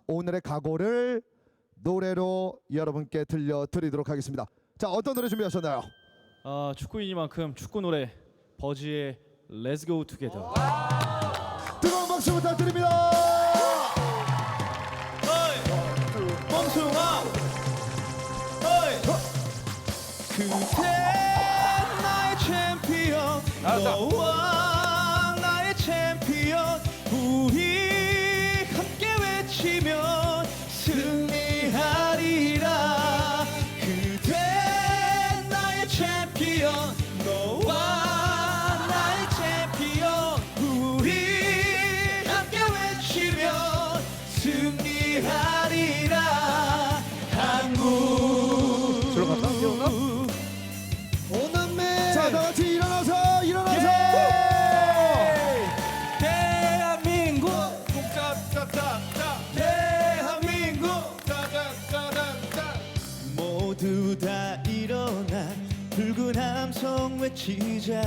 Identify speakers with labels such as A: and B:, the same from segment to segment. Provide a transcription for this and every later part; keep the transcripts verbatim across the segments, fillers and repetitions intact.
A: 오늘의 각오를 노래로 여러분께 들려드리도록 하겠습니다. 자, 어떤 노래 준비하셨나요?
B: 아, 축구인이만큼 축구 노래 버즈의 Let's Go Together.
A: 뜨거운 박수 부탁드립니다.
B: 멍숭아, 그대 나의 챔피언, 너와 나의 챔피언, 우리 함께 외치면 승리하리라. 그대 나의 챔피언, 너와 나의 챔피언, 우리 함께 외치면 승리하리라. 한국
A: 저로 갔다
B: 오남매.
A: 자, 다 같이 일어나서 일어나서.
B: 대한민국 대한민국 모두 다 일어나 붉은 함성 외치자.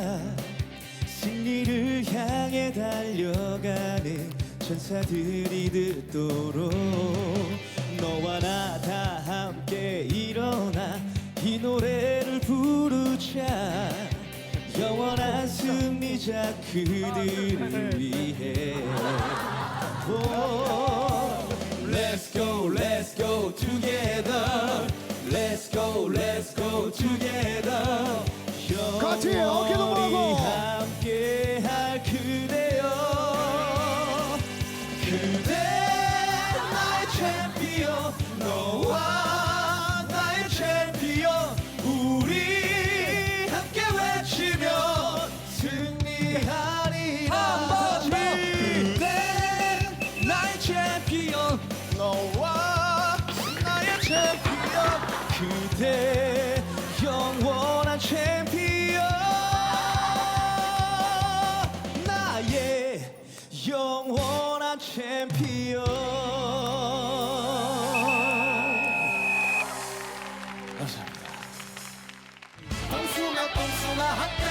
B: 승리를 향해 달려가는 천사들이 듣도록 너와 나 다 함께 일어나 이 노래를 부르자. 영원한 승리자 그들을 위해. Oh, let's go, let's go together. Let's go, let's go together.
A: 같이 어깨 동무하고.
B: 영원히 함께할 그대여. 그대 나의 챔피언, 너와 나의 챔피언, 우리 함께 외치면 승리하리라. 그대 나의 챔피언, 너와 나의 챔피언, 그대 영원한 챔피언, 나의 영원한 챔피언. 감사합니다.
C: 뽕숭아 뽕숭아 핫